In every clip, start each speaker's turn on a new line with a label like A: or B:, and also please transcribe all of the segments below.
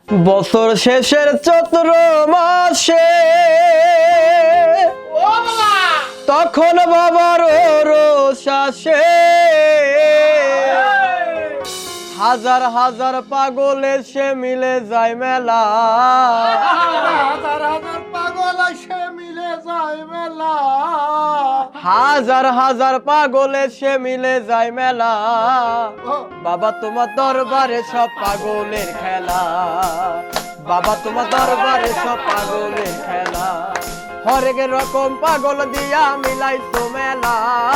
A: বছর শেষের চতুর মাসে তখন বাবার রোষাসে হাজার হাজার পাগল এসে মিলে যায় মেলা,
B: হাজার হাজার পাগল এসে মিলে যায় মেলা,
A: হাজার হাজার পাগল এসে মিলে যায় মেলা। বাবা তোমার দরবারে সব পাগলের খেলা, বাবা তোমার দরবারে সব পাগলের খেলা। হরেক রকম পাগল দিয়া মিলাইছো মেলা,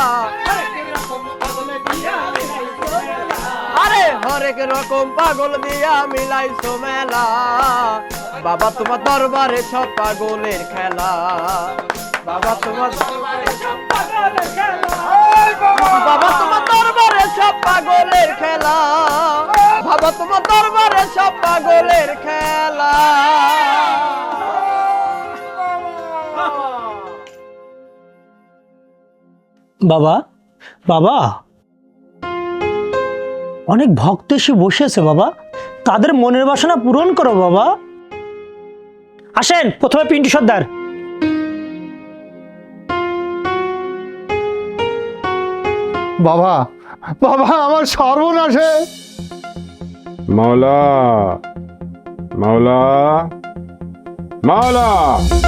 A: আরে হরেক রকম পাগল দিয়া মিলাইছো মেলা। বাবা তোমার দরবারে সব পাগলের খেলা, বাবা তোমার দরবারে সব পাগলের খেলা, বাবা তোমার দরবারে সব পাগলের খেলা, বাবা তোমার দরবারে সব পাগলের খেলা।
C: বাবা, বাবা, অনেক ভক্ত এসে বসে আছে বাবা, তাদের মনের বাসনা পূরণ করো বাবা। আসেন প্রথমে পিন্টু সর্দার।
B: বাবা বাবা আমার সর্বনাশে।
D: মাওলা, মাওলা, মাওলা।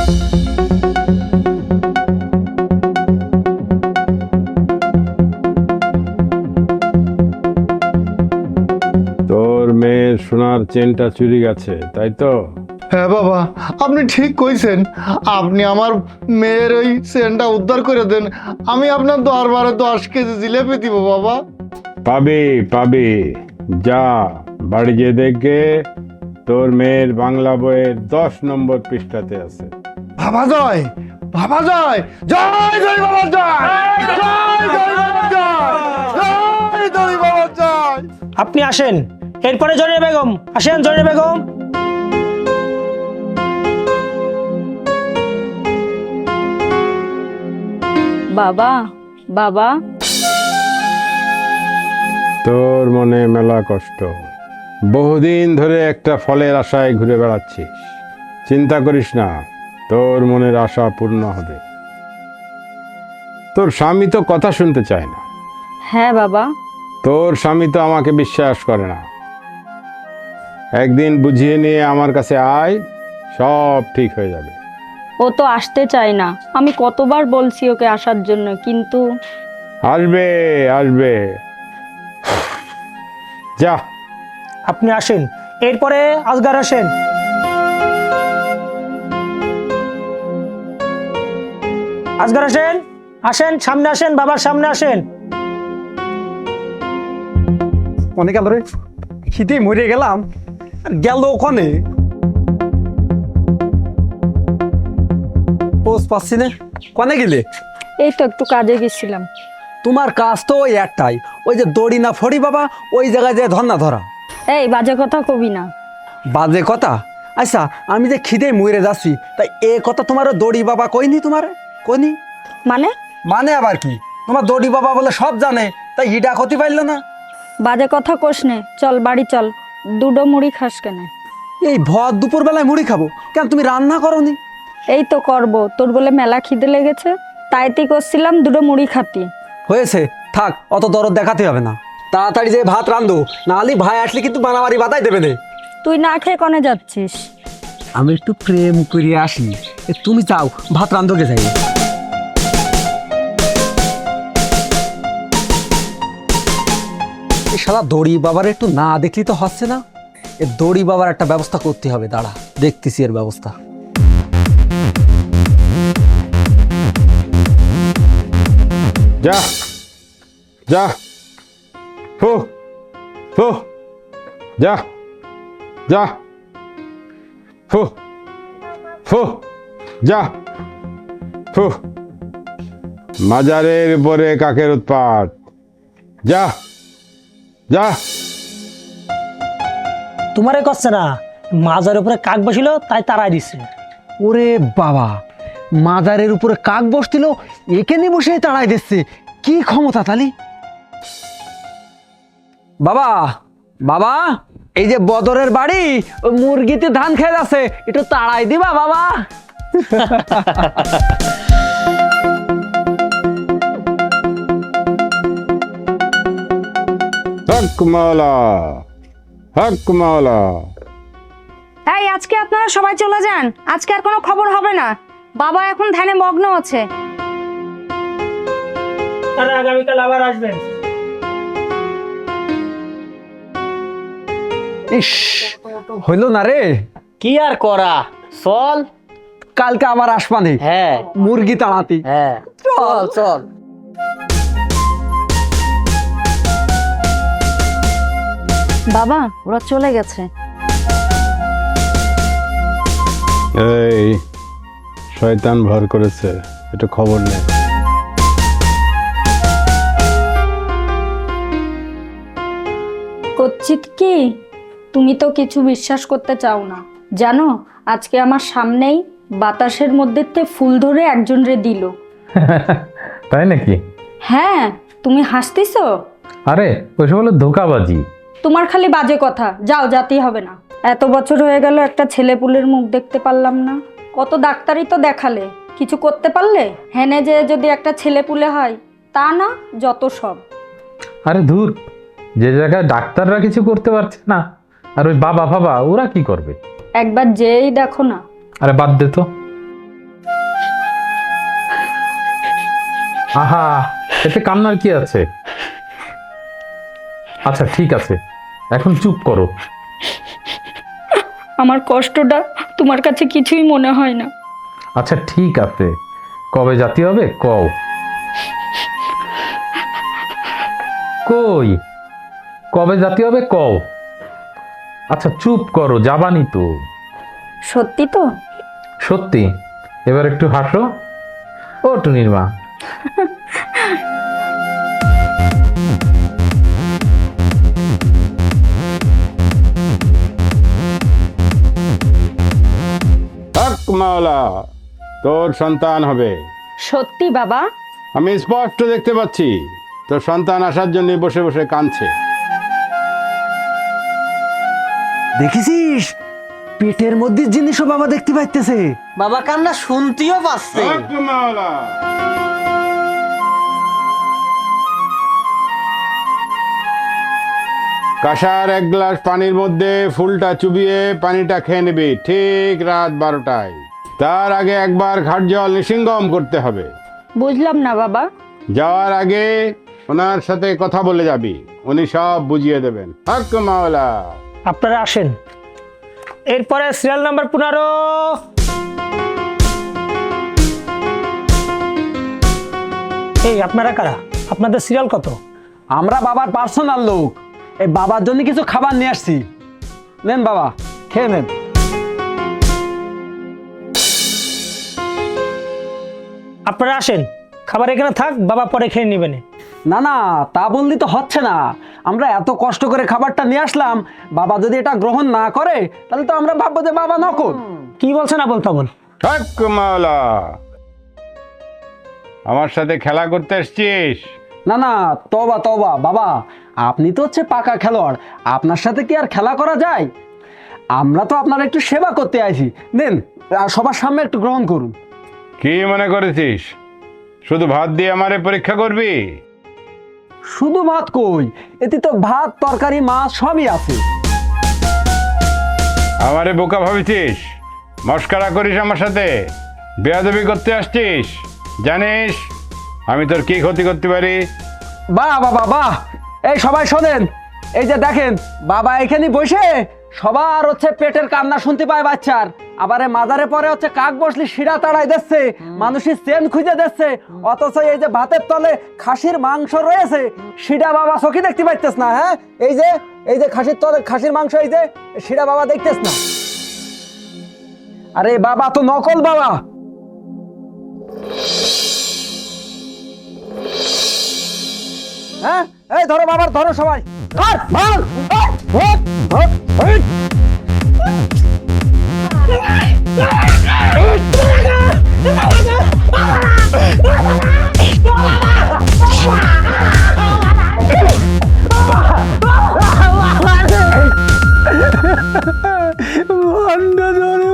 D: তোর মেয়ের সোনার চেনটা চুরি গেছে, তাই তো?
B: হ্যাঁ বাবা, আপনি ঠিক কইছেন। আপনি আমার মেয়ের ওই চেনটা উদ্ধার করে দেন, আমি আপনার দরবারে 10 কেজি জিলেপি দিব বাবা।
D: পাবি পাবি, যা বাড়ি গিয়ে দেখে তোর মেয়ের বাংলা বইয়ের 10 নম্বর পৃষ্ঠাতে আছে।
B: বাবা জয়, বাবা জয়, জয় জয় বাবা জয়, জয় জয় বাবা জয়, জয় জয় বাবা জয়।
C: আপনি আসেন, এরপরে জরিনা বেগম। আসেন জরিনা বেগম।
E: বাবা, বাবা,
D: তোর মনে মেলা কষ্ট, বহুদিন ধরে একটা ফলের আশায় ঘুরে বেড়াচ্ছিস। চিন্তা করিস না, তোর মনের আশা পূর্ণ হবে। তোর স্বামী তো কথা শুনতে চায় না।
E: হ্যাঁ বাবা।
D: তোর স্বামী তো আমাকে বিশ্বাস করে না। একদিন বুঝিয়ে নিয়ে আমার কাছে আয়, সব ঠিক হয়ে যাবে।
E: ও তো আসতে চায় না, আমি কতবার বলছি ওকে আসার জন্য, কিন্তু
D: আসবে আসবে, যা।
C: আপনি আসেন, এরপরে আজগার আসেন। আজগার আসেন, আসেন সামনে আসেন, বাবার সামনে আসেন।
F: অনেক গেল রে, খিদে মরে গেলাম। আর গেল ওখানে পোষ পাচ্ছি না। কনে গেলে?
E: এই তো একটু কাজে গেছিলাম।
F: তোমার কাজ তো ওই একটাই, ওই যে দড়ি না ফড়ি বাবা, ওই জায়গায় যে ধর না ধরা।
E: এই বাজে কথা কবি না।
F: বাজে কথা? আচ্ছা, আমি যে খিদে মরে যাচ্ছি, তাই এ কথা তোমার দড়ি বাবা কইনি? তোমার কইনি
E: মানে?
F: মানে আবার কি? তোমার দড়ি বাবা বলে সব জানে, তাই হিডা ক্ষতি পাইল না।
E: বাজে কথা কোস নে, চল বাড়ি চল, দুটো মুড়ি খাস কেন?
F: এই ভর দুপুর বেলায় মুড়ি খাবো কেন? তুমি রান্না করনি?
E: এই তো করব, তোর বলে মেলা খিদে লেগেছে, তাইতেই করছিলাম দুটো মুড়ি খাতি।
F: হয়েছে, থাক, অত দরদ দেখাতে হবে না। তাড়াতাড়ি যে ভাত রান্ধো, নাহলে ভাই আসলে কিন্তু মারামারি বাতাই দেবে না।
E: তুই না খেয়ে কনে যাচ্ছিস?
F: আমি একটু প্রেম করিয়ে আসি। তুমি চাও ভাত রান্ধোকে যাই? এই শালা দড়ি বাবার একটু না দেখলি তো হচ্ছে না। এ দড়ি বাবার একটা ব্যবস্থা করতে হবে, দাঁড়া দেখতেছি এর ব্যবস্থা।
D: যা যা, ফু ফু, যা যা, ফু ফু, যা ফু। মাজারের উপরে কাকের উৎপাত, যা যা।
C: তোমারে করছে না, মাজার উপরে কাক বসিল তাই তারাই দিচ্ছে।
F: ওরে বাবা, মাজারের উপরে কাক বসছিল, এখানে বসে তাড়াই দিচ্ছে। কি ক্ষমতা তালি! বাবা, বাবা, এই যে বদরের বাড়ি ওই মুরগিতে ধান খেয়ে যাচ্ছে, একটু তাড়াই দিবা বাবা।
D: হক মাওলা, হক মাওলা।
E: এই আজকে আপনারা সবাই চলে যান, আজকে আর কোনো খবর হবে না। বাবা এখন ধ্যানে মগ্ন আছে।
C: তাহলে আগামীকাল আবার আসবেন।
F: ইস, হইল না রে।
A: কি আর করা, চল।
F: কালকে আবার আসবানি।
A: হ্যাঁ
F: মুরগি তাড়াতি।
A: হ্যাঁ, চল চল।
E: বাবা ওরা চলে গেছে।
D: এই শয়তান ভর করেছে, একটু খবর নেই।
E: কচ্ছিত কি, তুমি তো কিছু বিশ্বাস করতে চাও না। জানো আজকে আমার সামনেই বাতাসের মধ্যে ফুল ধরে একজন রে দিল।
G: তাই নাকি?
E: হ্যাঁ, তুমি হাসতেছো?
G: আরে ওইসব হলো ধোকাবাজি।
E: তোমার খালি বাজে কথা, যাও, যেতেই হবে না। এত বছর হয়ে গেল একটা ছেলে পুলের মুখ দেখতে পারলাম না। কত ডাক্তারই তো দেখালে, কিছু করতে পারলে? হেনে যে যদি একটা ছেলে পুলে হয় তা না, যত সব।
G: আরে ধুর, যে জায়গায় ডাক্তাররা কিছু করতে পারছে না, আর ওই বাবা বাবা ওরা কি করবে?
E: একবার যেই দেখো না।
G: আরে বাদ দে তো। আহা, এতে কান্নার কি আছে? আচ্ছা ঠিক আছে, এখন চুপ করো।
E: আমার কষ্টটা তোমার কাছে কিছুই মনে হয় না।
G: আচ্ছা ঠিক আছে, কবে জাতি হবে কও। কই, কবে জাতি হবে কও। আচ্ছা চুপ করো, যাবানি তো।
E: সত্যি তো?
G: সত্যি। এবার একটু হাসো। ও টুনির মা।
D: হক মাওলা, তোর সন্তান হবে।
E: সত্যি বাবা?
D: আমি স্পষ্ট দেখতে পাচ্ছি তোর সন্তান আসার জন্য বসে বসে কাঁদছে।
F: দেখেছিস, পেটের মধ্যে জিনিসও বাবা দেখতে পাইতেছে।
A: বাবা কান্না শুনতেও পাচ্ছে।
D: হক মাওলা। কাঁসার এক গ্লাস পানির মধ্যে ফুলটা চুবিয়ে পানিটা খেয়ে নিবি ঠিক রাত 12টায়। তার আগে একবার ঘাট জল নিসিঙ্গম করতে হবে।
E: বুঝলাম না বাবা।
D: যাওয়ার আগে ওনার সাথে কথা বলে যাবি, উনি সব বুঝিয়ে দেবেন। হক মাওলা।
C: আপনারা আসেন। এরপরে সিরিয়াল নাম্বার 15। এই আপনারা কারা? আপনাদের সিরিয়াল কত?
F: আমরা বাবার পার্সোনাল লোক। এই বাবার জন্য কিছু খাবার নিয়ে আসছি। নেন বাবা, খেয়ে নেন।
C: আপনারা আসেন, খাবার এখানে থাক, বাবা পরে খেয়ে নেবেন।
F: না না, তা বললি তো হচ্ছে না। আমরা এত কষ্ট করে খাবারটা নিয়ে আসলাম, বাবা যদি এটা গ্রহণ না করে তাহলে তো আমরা ভাববো যে বাবা নকল।
C: কি বলছেন আবল তাবল?
D: হক মাওলা। আমার সাথে খেলা করতে এসছিস?
F: না না, তবা তবা বাবা, আপনি তো হচ্ছে পাকা খেলোয়াড়, আপনার সাথে কি আর খেলা করা যায়? আমরা তো আপনার একটু সেবা করতে আইছি। নেন, সবার সামনে একটু গ্রহণ করুন।
D: কি মনে করেছিস শুধু ভাত দিয়ে আমারে পরীক্ষা করবি?
F: শুধু ভাত কই, এতে তো ভাত তরকারি মাছ সবই আছে।
D: আমারে বোকা ভাবিছিস? মস্করা করিস আমার সাথে? বেয়াদবি করতে আসছিস? জানিস আমি তোর কি ক্ষতি করতে পারি?
F: বাহ বাবা বাহ। এই সবাই শোনেন, এই যে দেখেন বাবা এখানে বসে সবার হচ্ছে পেটের কান্না শুনতে পায় বাচ্চার। আবার মাজারে পরে হচ্ছে কাক বসলি শিরা তাড়াই দিচ্ছে, মানুষের চেন খুঁজে দিচ্ছে, অথচ এই যে ভাতের তলে খাসির মাংস রয়েছে শিরা বাবা চোখে দেখতে পাইতেছ না। হ্যাঁ, এই যে খাসির তলে খাসির মাংস, এই যে শিরা বাবা দেখতেছ না। আরে বাবা তো নকল বাবা। হ্যাঁ, এই ধরো বাবার, ধরো সবাই। ধর, ধর, ধর, ধর, ধর, ধর।
D: ঠান্ডা ধরে